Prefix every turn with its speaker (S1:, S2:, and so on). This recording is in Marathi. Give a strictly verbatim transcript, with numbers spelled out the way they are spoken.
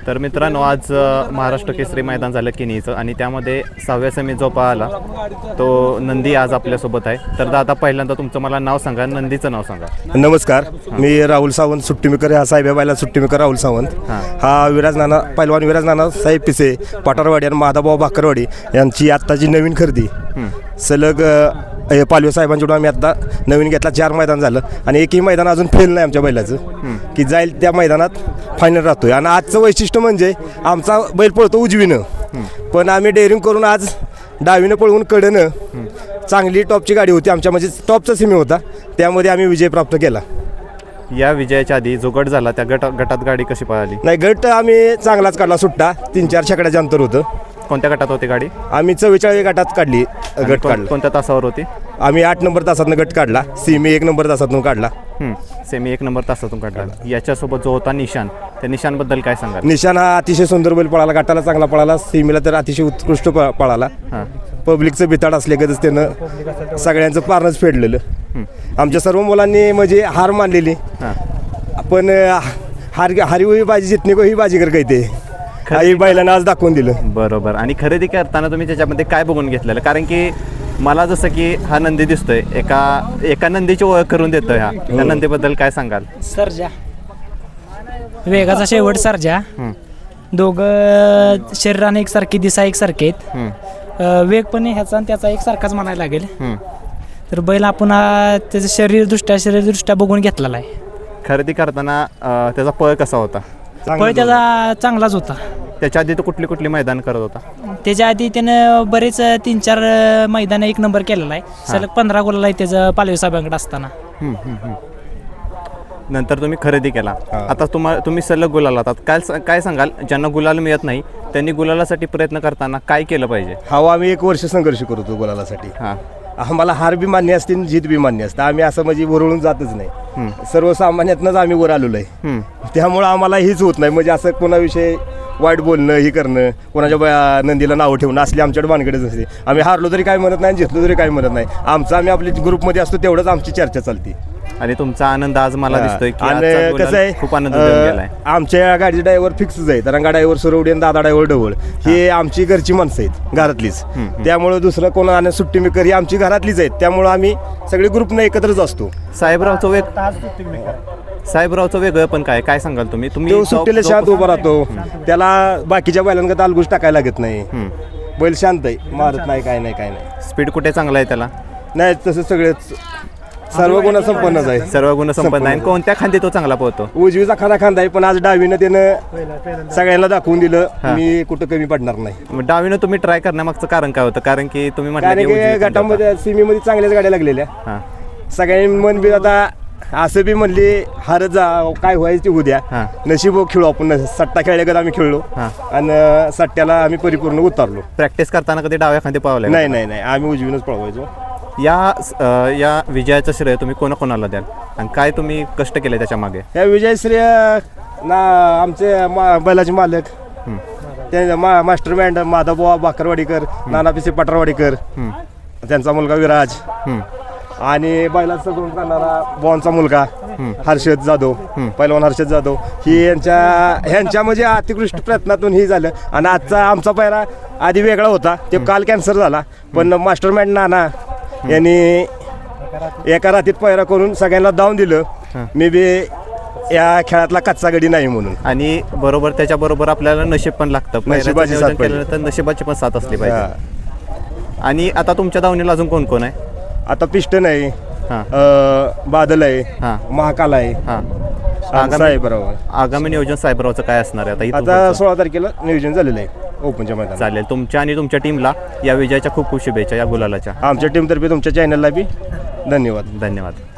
S1: तर मित्रांनो आज अ, महाराष्ट्र केसरी मैदान झालं किनीचं आणि त्यामध्ये सहाव्या सेमीत जो पाहिला तो नंदी आज आपल्यासोबत आहे. तर दादा पहिल्यांदा तुमचं मला नाव सांगा, नंदीचं नाव सांगा.
S2: नमस्कार, मी राहुल सावंत सुट्टीमेकर हा साहेबाबाईला सुट्टीमेकर राहुल सावंत. हा विराज नाना पैलवान विराज नाना साहेब पिसे पाटारवाडी आणि माधाभाऊ भाकरवाडी यांची आत्ताची नवीन खरेदी. सलग पालवे साहेबांच्याकडून आम्ही आता नवीन घेतला. चार मैदान झालं आणि एकही मैदान अजून फेल नाही आमच्या बैलाचं की जाईल त्या मैदानात फायनल राहतोय. आणि आजचं वैशिष्ट्य म्हणजे आमचा बैल पळतो उजवीनं, पण आम्ही डेअरिंग करून आज डावीनं पळवून कडनं चांगली टॉपची गाडी होती आमच्या, म्हणजे टॉपचा सिमी होता, त्यामध्ये आम्ही विजय प्राप्त केला.
S1: या विजयाच्या आधी जो गट झाला त्या गट गटात गाडी कशी पळाली?
S2: नाही, गट आम्ही चांगलाच काढला, सुट्टा तीन चार शेकड्याचं अंतर होतं.
S1: कोणत्या गटात होती गाडी?
S2: आम्ही चव्वेचाळीस गटात काढली. गट काढला
S1: कोणत्या तासावर होती?
S2: आम्ही आठ नंबर तासातून गट काढला, सेमी एक नंबर तासातून काढला.
S1: सेमी एक नंबर तासातून काढला. याच्यासोबत जो होता निशान, त्या निशानबद्दल काय सांगा?
S2: निशान हा अतिशय सुंदर बैल पळाला, गटाला चांगला पळाला, सेमीला तर अतिशय उत्कृष्ट प पळाला. पब्लिकचं बिताड असल्यागतच त्यानं सगळ्यांचं पारणंच फेडलेलं. आमच्या सर्व मुलांनी म्हणजे हार मानलेली, पण हार हारी होई बाजी जितणे को ही बाजीगर कहते, काही बैलांना आज दाखवून दिलं.
S1: बरोबर. आणि खरेदी करताना तुम्ही त्याच्यामध्ये काय बघून घेतलेलं? कारण की मला जसं की हा नंदी दिसतोय, एका एका नंदीची ओळख करून देतोय, हा त्या नंदीबद्दल काय सांगाल?
S3: सर्जा, वेगाचा शेवट सर्जा. दोघं शरीराने एकसारखी, दिसा एकसारखे आहेत. वेग पण ह्याचा आणि त्याचा एकसारखाच म्हणायला लागेल. तर बैल आपण त्याचं शरीरदृष्ट्या शरीरदृष्ट्या बघून घेतलेला आहे.
S1: खरेदी करताना अं, त्याचा पळ कसा होता?
S3: पळ त्याचा चांगलाच होता.
S1: त्याच्या आधी तो कुठली कुठली मैदान करत होता?
S3: त्याच्या आधी त्यानं बरेच तीन चार मैदान एक नंबर केलेला आहे. सलग पंधरा गोलाला आहे त्याचं पालवे साहेबांकडे असताना.
S1: नंतर तुम्ही खरेदी केला. आता तुम्हाला तुम्ही सलग गुलाल आता काय काय सांगाल ज्यांना गुलाल मिळत नाही त्यांनी गुलालासाठी प्रयत्न करताना काय केलं पाहिजे?
S2: हा, आम्ही एक वर्ष संघर्ष करतो गुलालासाठी.
S1: हां,
S2: आम्हाला हार बी मान्य असते आणि जीत बी मान्य असतं. आम्ही असं म्हणजे वरळून जातच नाही, सर्वसामान्यातनंच आम्ही वर आलेलो आहे. त्यामुळं आम्हाला हीच होत नाही, म्हणजे असं कोणाविषयी वाईट बोलणं, ही करणं, कोणाच्या नंदीला नावं ठेवणं असली आमच्याकडे भानगडच नसते. आम्ही हारलो तरी काय म्हणत नाही, जितलो तरी काय म्हणत नाही. आमचं आम्ही आपल्या ग्रुपमध्ये असतो तेवढंच आमची चर्चा चालते.
S1: आणि तुमचा आनंद आज मला दिसतोय की
S2: आणि
S1: आजचा
S2: कसं
S1: गुलाल
S2: आहे,
S1: खूप आनंद देऊन गेलाय.
S2: आमच्या गाडीचे ड्रायव्हर फिक्सच आहे, तरंगा ड्रायव्हर सुरवडी आणि दादा ड्रायव्हर ढवळ हे आमची घरची माणसं आहेत, घरातलीच. त्यामुळं दुसरं कोण आणि सुट्टी मेकर ही आमची घरातलीच आहेत. त्यामुळं आम्ही सगळे ग्रुपनं एकत्रच असतो.
S1: साहेबरावचं वेग साहेबरावचं वेगळं पण काय काय सांगाल तुम्ही? तुम्ही
S2: तो सुट्टीला शांत उभा राहतो, त्याला बाकीच्या बैलांकडे तालगुश टाकायला लागत नाही. बैल शांत आहे, मारत नाही, काय नाही काय नाही.
S1: स्पीड कुठे चांगला आहे त्याला?
S2: नाही, तसं सगळेच सर्व गुण संपन्नच आहे.
S1: सर्व गुण संपन्न आहे. कोणत्या खांदी तो चांगला पोहतो?
S2: उजवीचा खाना खांदा आहे, पण आज डावीनं त्यानं सगळ्यांना दाखवून दिलं मी कुठं कमी पडणार नाही.
S1: मग डावीनं तुम्ही ट्राय करण्यामागचं कारण काय होतं? कारण की तुम्ही म्हटलं
S2: कारण
S1: की
S2: की
S1: उजवी खांदी
S2: गटामध्ये सीमीमध्ये चांगल्याच गाड्या लागलेल्या.
S1: हां.
S2: सगळ्यांनी मन बी आता असं बी म्हणले हारत जा, काय व्हायचं ते होऊ द्या,
S1: हां.
S2: नशीब खेळू आपण. सट्टा खेळल्यागत आम्ही खेळलो आणि सट्ट्याला आम्ही परिपूर्ण उतारलो.
S1: प्रॅक्टिस करताना कधी डाव्या खांदी पावलं?
S2: नाही नाही नाही, आम्ही उजवीनच पळवायचो.
S1: या अ, या विजयाचं श्रेय तुम्ही कोणाकोणाला द्याल आणि काय तुम्ही कष्ट केले त्याच्या मागे?
S2: या विजयश्री ना आमचे मा बैलाचे मालक, त्या मा मास्टर बँड माधवबुवा भाकरवाडीकर, नाना पिसे पटरवाडीकर, त्यांचा मुलगा विराज, आणि बैलाचं सगळं करणारा बॉनचा मुलगा हर्षद जाधव, पैलवान हर्षद जाधव, ही यांच्या ह्यांच्या म्हणजे अतिकृष्ट प्रयत्नातून ही झालं. आणि आजचा आमचा पायरा आधी वेगळा होता, ते काल कॅन्सर झाला, पण मास्टर बँड नाना यांनी एका रात्रीत पायरा करून सगळ्यांना दावून दिलं. मी बी या खेळातला कच्चा गडी नाही म्हणून.
S1: आणि बरोबर त्याच्याबरोबर आपल्याला नशीब पण लागतं.
S2: नशिबाची साथ पाहिजे.
S1: केलं तर नशिबाची पण साथ असली पाहिजे. आणि आता तुमच्या दावणीला अजून कोण कोण आहे?
S2: आता पिस्टन आहे,
S1: हां.
S2: अं, बादल आहे,
S1: हां.
S2: महाकाल आहे,
S1: हां.
S2: आगामी बरोबर.
S1: आगामी नियोजन साहेबरावचं काय असणार आहे आता इथून
S2: आता
S1: पुढचं?
S2: सोळा तारखेला नियोजन झालेलं आहे ओपनच्या मैदानात.
S1: चालेल. तुमच्या आणि तुमच्या टीमला या विजयाच्या खूप खूप शुभेच्छा, या गुलालाच्या.
S2: आमच्या टीमतर्फे तुमच्या चॅनलला बी धन्यवाद.
S1: धन्यवाद.